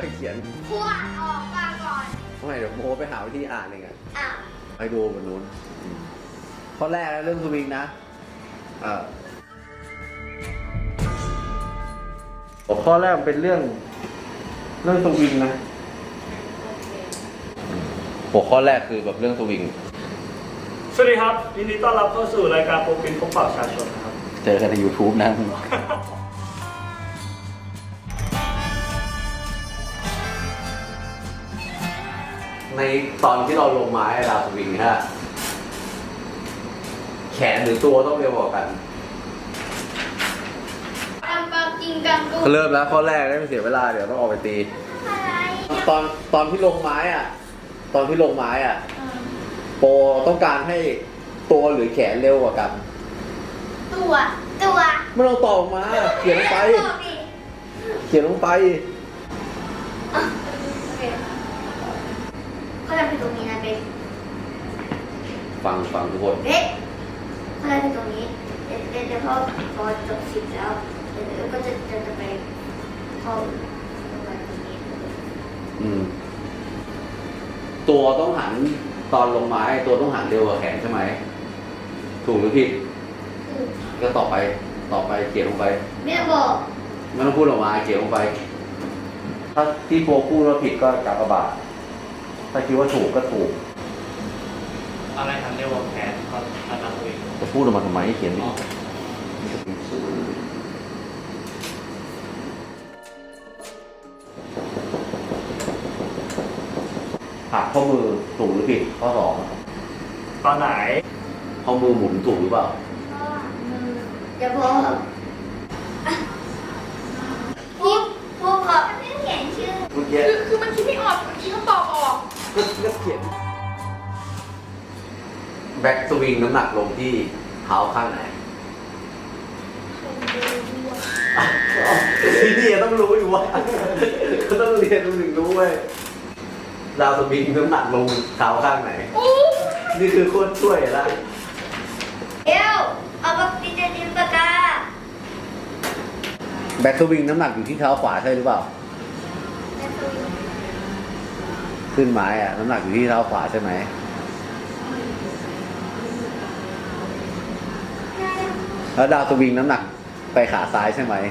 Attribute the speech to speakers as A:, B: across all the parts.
A: ก็เขียน
B: ครูอ่านออกฟังก่อน
A: ทำไมเดี๋ยวโมไปหาวิธีอ่านเองอะ
B: อ่ะ
A: ไปดูบนนู้นข้อแรกเรื่องสวิงนะข้อแรกเป็นเรื่องสวิงนะหัวข้อแรกคือแบบเรื่องสวิง
C: สวัสดีครับยินดีต้อนรับเข้าสู่รายการโปรปินพบปะประชาชนนะครับ
A: เจอกันใน YouTube นะ ในตอนที่เราลงไม้ดาวสวิงฮะแขนหรือตัวต้องเร็วกว่ากัน
B: กำปังจริงกังกู
A: เริ่มแล้วข้อแรกได้ไม่เสียเวลาเดี๋ยวต้องออกไปตี
B: อะไร
A: ตอนที่ลงไม้อ่ะ โปรต้องการให้ตัวหรือแขนเร็วกว่ากัน
B: ตัว
A: ไม่ต้องตอบออกมา เขียนลงไป
B: ตอบดิ
A: เขียนลงไป
B: อ่ะโอเคเขาทำเป็นตรงนี้นะเบ๊ก
A: ฟังทุกคน
B: เบ๊กเขาทำเป็นตรงนี้เดี๋ยวพอจบสิบแล้วเดี๋ยวก็จะไปเข้าตรงนี้
A: ตัวต้องหันตอนลงไม้ตัวต้องหันเร็วกว่าแขนใช่ไหมถูกหรือผิด
B: คือ
A: ก็ต่อไปเขียนลงไป
B: ไม่ต้องบอก
A: ไม่ต้องพูดออกมาเขียนลงไป ถ้าที่โปรพูดว่าผิดก็กากบาทถ้าคิดว่าถูกก็ถูก
C: อะไรทันเรียกว่าแผนเขาทำตัวเอง
A: จะพูดออกมาทำไมให้เขียนดิหักข้อมือถูกหรือผิดข้อสอง
C: ตอนไหน
A: ข้อมือหมุนถูกหรือเปล่า
B: เดี๋ยวพอพูดก่อนไม่เขียนชื่อ
A: เมื่อกี้
D: คือมันคิดไม่ออกมันคิดคำตอบออก
A: ก็เขียนแบ็กสวิงน้ำหนักลงที่เท้าข้างไหนที่นี่ต้องรู้อยู่ว่าก็ต้องเรียนต้องถึงรู้เว้ยดาวสวิงน้ำหนักลงเท้าข้างไหน นี่คือโคตรช่วยละ
B: เดี๋ยวเอาปากกาดินปากกา
A: แบ็กสวิงน้ำหนักอยู่ที่เท้าขวาใช่หรือเปล่า ขึ้นไม้อะน้ำหนักอยู่ที่เท้าขวาใช่ไหมแล้วดาวสวิงน้ำหนักไปขาซ้ายใช่ไหม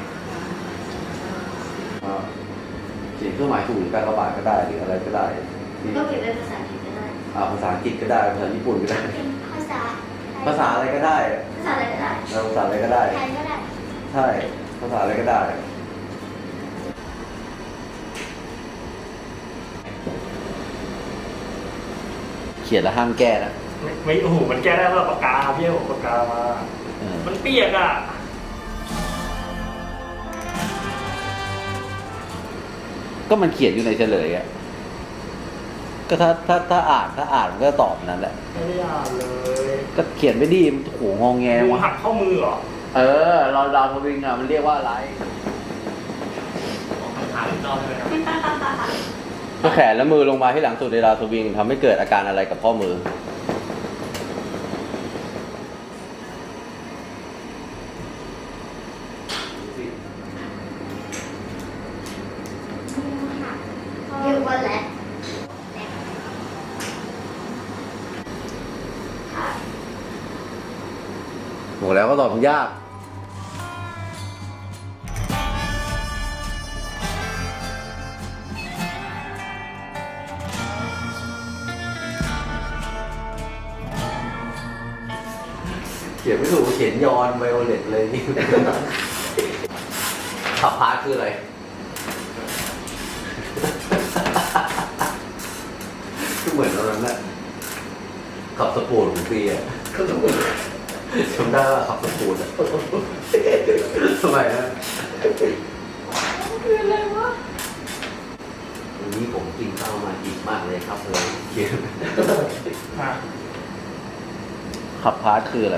A: เขียนเครื่องหมายถูกหรือการระบาดก็ได้หรืออะไรก็ได้ที่
B: ก็เขียนเป็นภาษาอังกฤษก็ได้
A: ภาษาอังกฤษก็ได้ภาษาญี่ปุ่นก็ได้
B: เป็นภาษา
A: ภาษาอะไรก็ได้
B: ภาษาอะไรก็ได้
A: ภาษาอะไรก็ได้
B: ไทยก็ได้
A: ใช่ภาษาอะไรก็ได้ เขียนแล้วห้ามแก้นะ
C: ไม่โอ้โหมันแก้ได้ว่าปากกาพี่ให้ผมปากกามา มันเปียกอ่ะ
A: ก็มันเขียนอยู่ในเฉลยอะก็ถ้าอ่านมันก็ตอบนั่นแหละ
C: ไม่ได้อ่านเลย
A: ก็เขียนไม่ดีมันโหงอแง
C: ดู
A: วะ
C: หักข้อมือเหรอ
A: เราดาวทวิงอะมันเรียกว่าอะไร
C: คำถามอีกรอบใช่ไหมครับ
A: ก็แขนและมือลงมาที่หลังสุดในดาวทวิงทำให้เกิดอาการอะไรกับข้อมือ
B: เรียกว่าแหละ
A: บอกแล้วก็ตอบมันยาก เขียนไม่ถูกเขียนยอนไวโอเลตเลยนี่ ขับพาร์ทคืออะไร ก็เหมือนตอนนั้นแหละขับสปูนของปีอะจำได้ว่าขับสปูนอะทำไมนะ
D: คืออะไรวะ
A: วันนี้ผมกินข้าวมาอิ่มมากเลยครับเลยเขียน
C: อ่ะ
A: ขับพาร์ทคืออะไร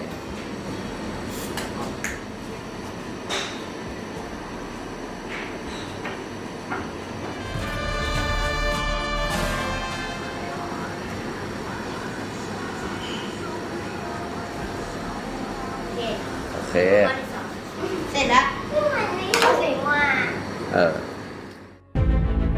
B: โอเค
A: โอเค
B: ข้อที่สองเสร็จแล้วมันไม่รู้สึกว่า
A: เออ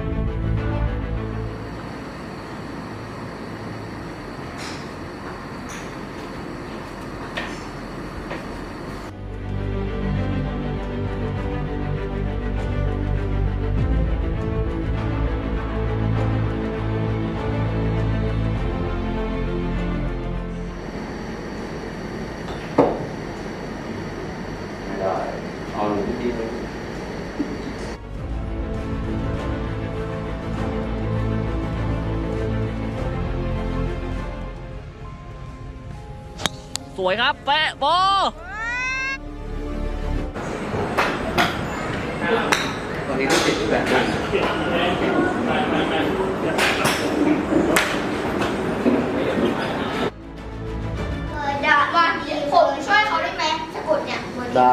E: วยครับแปะโบ
A: ตอนนี้ก็ติดอยู่แบบนั้น
B: เดี๋ยวว่าผมช่วยเขาได้ไหมสะกดเนี่ย
A: ได้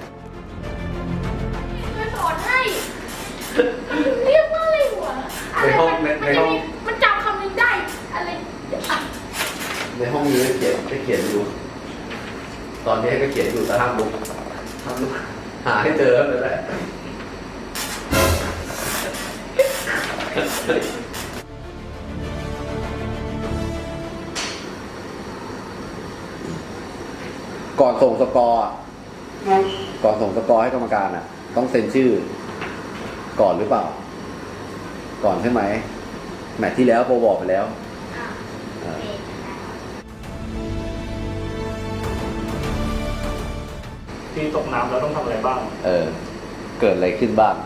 D: ช่วยสอนให้ เรียกว่าอะไรหัวอะไรมันจำคำนึงได้ อะไรอ่ะ
A: ในห้องนี้ก็เขียนอยู่ ตอนนี้ก็เขียนอยู่แต่ห้ามลุกหาให้เจอเลยแหละก่อนส่งสกอร์อะก่อนส่งสกอร์ให้กรรมการอ่ะ ต้องเซ็นชื่อ ก่อนหรือเปล่า ก่อนใช่ไหมแมตช์ที่แล้วโปรบอกไปแล้ว
C: ที่ตกน้ำแล้วต้องทำอะไรบ้าง
A: เกิดอะไรขึ้นบ้าง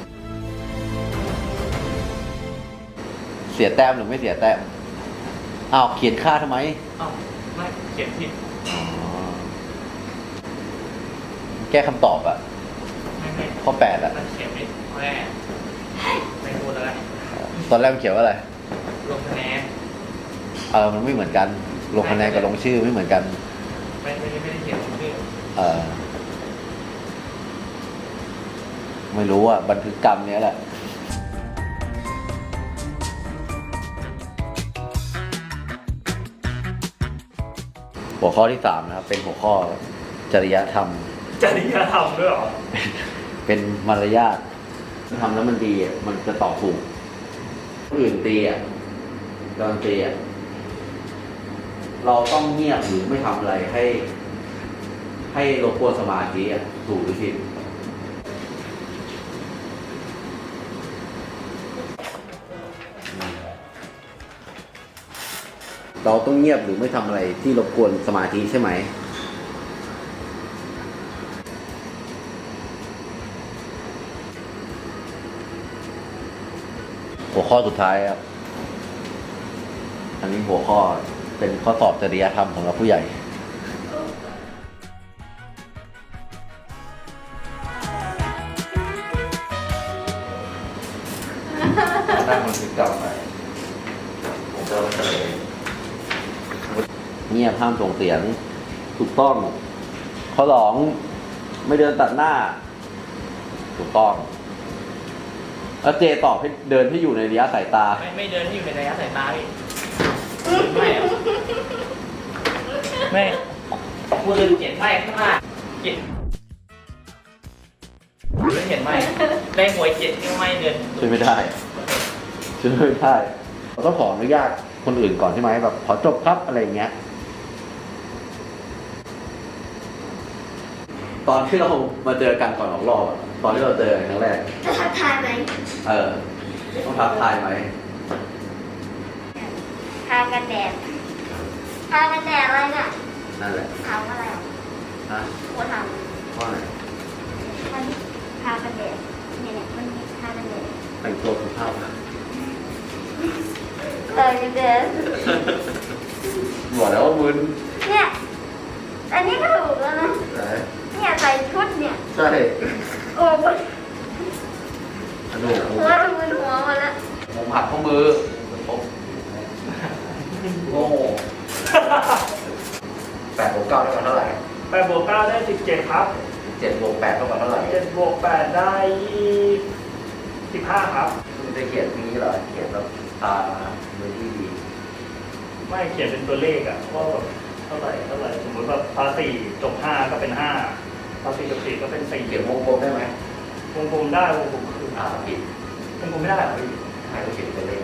A: เสียแต้มหรือไม่เสียแต้มอ้าวเขียนค่าทำไม
E: อ้าวไม่เขียนผิด
A: แก้คำตอบอะ
E: ไม่
A: ข้อ8อะ
E: มันเขียนไม่แม่ไม่พูดแล้ว
A: ตอนแรกมันเขียนว่าอะไร
E: ลงคะแนน
A: มันไม่เหมือนกัน ลงคะแนนกับลงชื่อไม่เหมือนกัน
E: ไม่ได้เขียนชื่อ
A: ไม่รู้อะบันทึกกรรมเนี้ยแหละ หัวข้อที่3นะครับ เป็นหัวข้อจริยธรรม
C: จริยธรรมด้วยเหรอ
A: เป็นมารยาททำแล้วมันดีอ่ะมันจะตอบถูกคนอื่นตีอ่ะโดนตีอ่ะเราต้องเงียบหรือไม่ทำอะไรให้รบกวนสมาธิอ่ะถูกหรือผิดเราต้องเงียบหรือไม่ทำอะไรที่รบกวนสมาธิใช่ไหมหัวข้อสุดท้ายครับ อันนี้หัวข้อเป็นข้อสอบจริยธรรมของเราผู้ใหญ่นั่งมันคือกรรมไปผมจะเฉลยเงียบห้ามส่งเสียงถูกต้อง ข้อ2ไม่เดินตัดหน้า ถูกต้องแล้วเจตอบให้เดินให้อยู่ในระยะสายตา
E: ไม่เดินที่อยู่ในระยะสายตาพี่ไม่อะไม่พูดเรื่องเขียนไม่ข้างหน้าเขียนเขียนไม่ได้หวยเขียนไม่เดิน
A: ช่วยไม่ได้ช่วยไม่ได้เราต้องขออนุญาตคนอื่นก่อนใช่ไหมแบบขอจบครับอะไรอย่างเงี้ย ตอนที่เรามาเจอกันก่อนออกรอบอะตอนที่เราเจอกันครั้งแรก
B: จะทักทายไหม
A: ต้องทักทายไหม
B: ทากันแดดทากันแดดอะไรน่ะ
A: นั่นแหละ
B: ถามว่าอะไรอ่ะ
A: ฮะ
B: หัวถาม
A: ข้อไหน
B: มันทากันแดดเนี่ยมันมีทากันแดด
A: แต่งตัวสุภาพนะ
B: ทากันแดด
A: บอกแล้วว่ามึน
B: เนี่ยอันนี้ก็ถูกแล้วนะ
A: ไหน
B: เนี่ยใส่ชุดเนี่ย
A: ใช่
B: โอ้โห
A: อันนู้น
B: หัวมือหัวหมดแล้ว
A: ผมหักข้อมือโง่8 บวก 9 เท่ากับเท่าไหร่
C: 8 บวก 9 ได้ 17 ครับ
A: 7 บวก 8 เท่ากับเท่าไหร่
C: 7 บวก 8 ได้ 15 ครับ
A: คุณจะเขียนนี้เหรอเขียนแบบตามือที่ดี
C: ไม่เขียนเป็นตัวเลขอ่ะว่าแบบเท่าไหร่สมมติแบบภาษีจบ5ก็เป็น5ภาษีจบ4ก็เป็น4
A: เขียนวงกลมได้ไหม
C: วงกลมได้วงกลมคือ
A: ผิด
C: วงกลมไม่ได้เหรอพี่
A: ให้เขาเขียนตัวเลข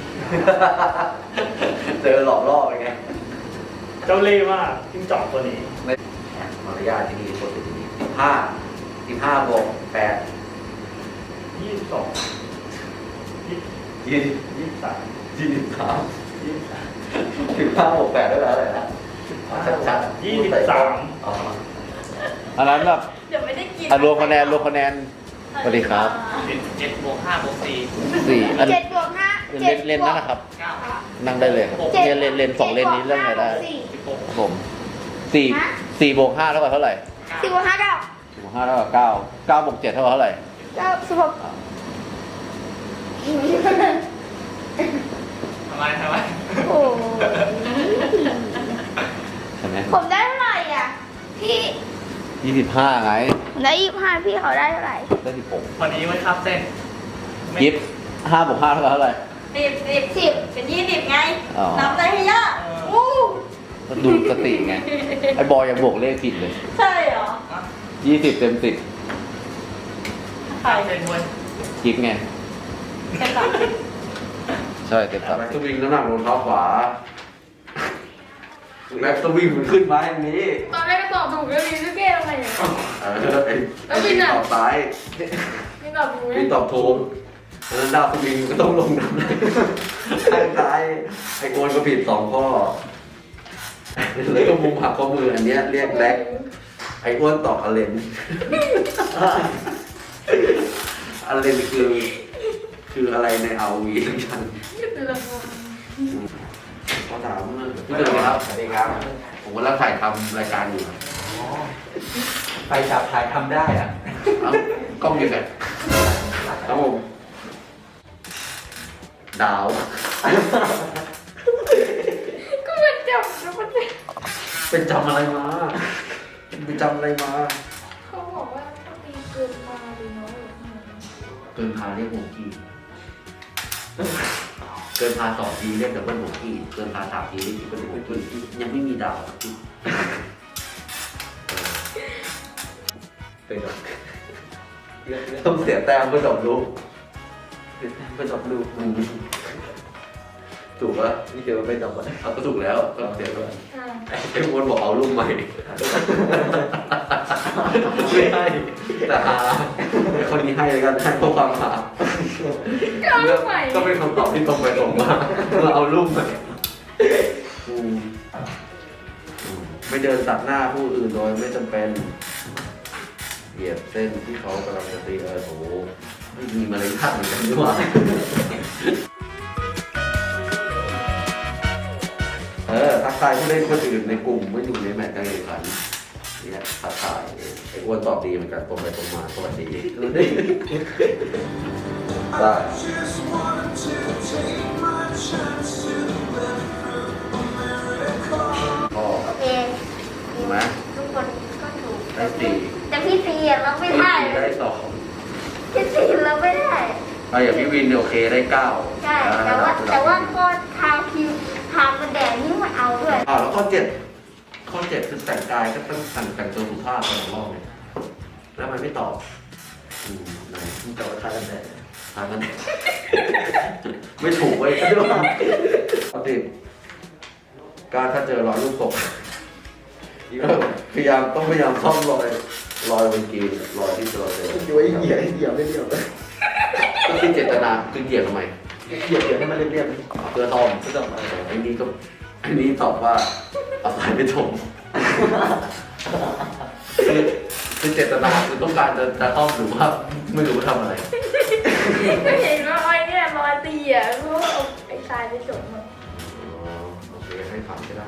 A: เจอหลอกล่อไปไง
C: เจ้าเล่ห์มากจิ้งจอกตัวนี้
A: มารยาทที่นี่คนเป็นที่นี่15 บวก 8
C: 22
A: 20
C: 23
A: 23 15 บวก 8ได้แล้วอะไรนะชัดๆ
C: 23
A: อ๋ออันนั้นแบบ
D: เดี๋ยวไม่ได้กิน
A: รวมคะแนนสวัสดีครับ
E: 7 บวก 5 บวก
A: 4 อัน
B: 7 บวก 5
A: เลนนั่นนะครับ
E: 4 9
A: นั่งได้เลยครับเลน2 เลนนี้เรื่องอะไรได้
E: 16
A: ผม 4 บวก 5 เท่ากับเท่าไหร่
B: 4 บวก 5 9
A: 4 บวก 5 เท่ากับ 9 9 บวก 7 เท่ากับเท่าไหร่
B: 9 16
E: ทำไม
B: โอ้
A: ใช่ไหม
B: ผมได้เท่าไหร่อ่ะ พี่
A: 25 ไง
B: ผมได้25พี่เขาได้เท่าไหร่
A: ได้ 16
E: วันนี้ไว้ทับเส้น
A: ยิบ5 บวก 5 เท่ากับเท่าไหร่
B: 10
D: เป็น20ไง
A: อ๋อ
D: นับได้ให้เยอะอู้
A: ก็ดูสติไง ไอ้บอยยังบวกเลขผิดเลย
D: ใช่เหรอ
A: 20 เต็ม
D: ใคร
E: เส้นเว้ย
A: 10ยิบไง
D: เป็นแบบ
A: ใช่เต็มครับแม็กซ์วิ่งน้ำหนักลงเท้าขวาแม็กซ์วิ่งมันขึ้นมาอย่างนี้
D: ตอนแรกก็ตอบถูกแล้วมีลูกเก้ทำไมเนี่ย
A: ไอ้วิ่งตอบซ้าย
D: ไม่ตอบถูก
A: วิ่งตอบถูกแล้วดาวสวิงก็ต้องลงน้ำข้างซ้ายไอ้โกนก็ผิด2 ข้อแล้วก็มุมหักข้อมืออันเนี้ยเรียกแล็กไอ้อ้วนตอบอเลนอเลนคืออะไรในเอาวีทั้งชั้น
D: คือละคน
A: ขอถามพี่เดินครับ สวัสดีครับ ผมกำลังถ่ายทำรายการอยู่
E: ไปจับถ่ายทำได้อ่ะ
A: เอ้ากล้องอยู่ไหนครับผมดาว
D: ก็มันจับแล้วมัน
A: เป็นจำอะไรมาเป็นจำอะไรมา
D: เขาบอกว่าถ้าตีเกินมาหรือน้อย
A: เกินพาเรียกหัวกี้เกินพา2 ทีเรียกดับเบิลหัวกี้เกินพา3 ทีเรียกดับเบิลหัวกี้ยังไม่มีดาวพี่
E: เป็นแบบ
A: ต้องเสียแต้มเพื่อจบลูกเสียแต้มเพื่อจบลูกถูกปะ
E: นี่คือไม่ต้องมา
A: เอาก็ถูกแล้วก็เสียด้วย
D: อ่า
A: ไอ้วนบอกเอาลูกใหม่ไม่ให้แต่หาคนนี้ให้เลยกันให้เพราะความหา
D: ก็เอาลูกใหม่
A: ก็เป็นคำตอบที่ตรงไปตรงมาเราเอาลูกใหม่ไม่เดินตัดหน้าผู้อื่นโดยไม่จำเป็นเหยียบเส้นที่เขากำลังจะตีโอ้โหไม่มีมารยาทเหมือนกันด้วยว่าทักทายผู้เล่นคนอื่นในกลุ่มไม่อยู่ในแมตช์การแข่งขันเนี่ยทักทายไอ้อ้วนตอบดีเหมือนกันตรงไปตรงมาสวัสดีได้ พ่อ
B: โอเค
A: ถูกไหม
B: ทุกคนก็ถูก
A: ได้4
B: แต่พี่ตีเราไม่ได้
A: ได้
B: พี่ตีเราไม่ได้
A: 2อย่างพี่วินเนี่ยโอเคได้9
B: ใช่แต่ว่าก็ทางคิวทางมันแดงนี่มันเอาด้วย
A: แล้วข้อ7คือแต่งกายก็ต้องแต่งตัวสุภาพตลอดรอบเลยแล้วมันไม่ตอบไหน
E: มึงจะมาทายกันแน่
A: ทางกันไม่ถูกเว้ยข้อ10การถ้าเจอรอยลูกศพพยายามซ่อมรอยบนกีนรอยที่เราเจอ
E: อยู่ไอ้เหยียบไม่เรียบเลย
A: ก็คือเจตนาคือเหยียบทำไม
E: เหยียบให้มันเรียบ
A: เพื่อทอม
E: ๆก็ต้องมา
A: อันนี้ตอบว่าเอาสายไปถมคือเจตนาคือต้องการจะทอมหรือว่าไม่รู้ว่าทำอะไร
D: ก็เห็นว่าไอ้เนี่ยรอยตีอ่ะเพราะว่าเอาไอ้ทรายไปจบมา
A: โอเคให้ผ่านก็ได้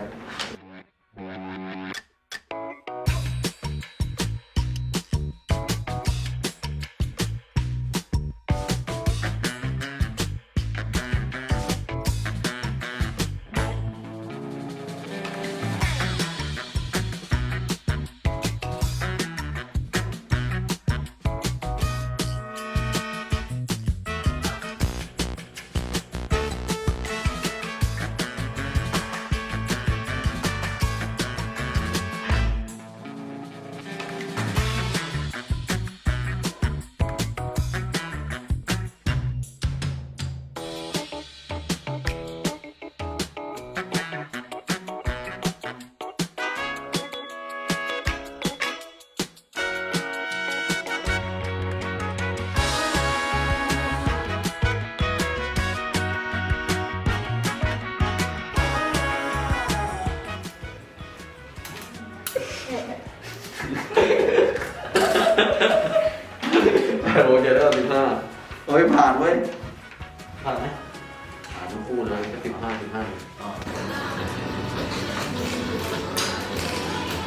A: โอ้ยจะได้15เอาไปผ่านเว้ย
E: ผ่านไหม
A: ผ่านทั้งคู่เลยก็15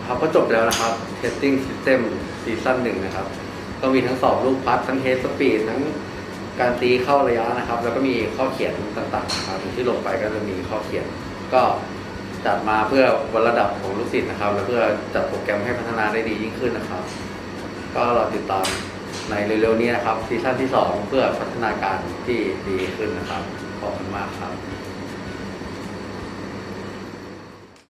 F: ครับก็จบแล้วนะครับ Testing System ซีซั่น1นะครับก็มีทั้งสอบลูกพัดทั้งเทสสปีดทั้งการตีเข้าระยะนะครับ แล้วก็มีข้อเขียนต่างๆนะครับที่ลงไปก็จะมีข้อเขียน ก็จัดมาเพื่อวัดระดับของลูกศิษย์นะครับ และเพื่อจัดโปรแกรมให้พัฒนาได้ดียิ่งขึ้นนะครับ ก็รอติดตามในเร็วๆนี้นะครับซีซั่นที่2เพื่อพัฒนาการที่ดีขึ้นนะครับขอบคุณมากครับ